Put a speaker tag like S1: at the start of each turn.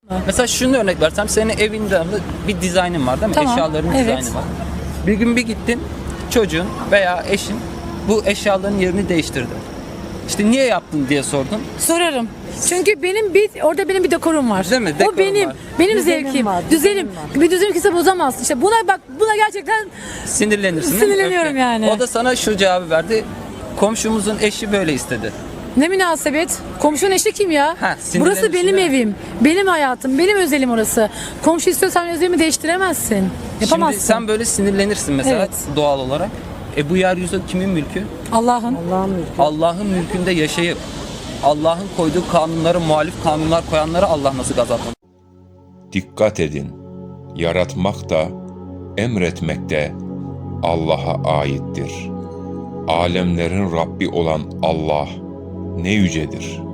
S1: Mesela şunu örnek versem, senin evinde bir dizaynın var değil mi?
S2: Tamam,
S1: Eşyaların
S2: evet.
S1: dizaynı var. Bir gün bir gittin, çocuğun veya eşin bu eşyaların yerini değiştirdi. İşte niye yaptın diye sordun.
S2: Sorarım. Çünkü orada benim bir dekorum var.
S1: Değil mi?
S2: O
S1: Dekorum
S2: benim
S1: var.
S2: zevkim,
S3: var,
S2: düzenim. Bir düzenim kimse bozamaz. İşte buna gerçekten
S1: Sinirlenirsin değil mi?
S2: Sinirleniyorum
S1: Öfke.
S2: yani.
S1: O da sana şu cevabı verdi. Komşumuzun eşi böyle istedi.
S2: ne münasebet. Komşunun eşi kim ya?
S1: sinirlenirsin
S2: Burası benim
S1: değil mi?
S2: evim, benim hayatım, benim özelim orası. Komşu istiyorsan özelimi değiştiremezsin. Yapamazsın.
S1: Şimdi sen böyle sinirlenirsin mesela
S2: Evet.
S1: doğal olarak. Bu yeryüzü kimin mülkü?
S2: Allah'ın.
S3: Allah'ın mülkü.
S1: Allah'ın mülkünde yaşayıp Allah'ın koyduğu kanunlara muhalif kanunlar koyanlara Allah nasıl gazaplanır?
S4: Dikkat edin, yaratmak da, emretmek de Allah'a aittir. Alemlerin Rabbi olan Allah ne yücedir.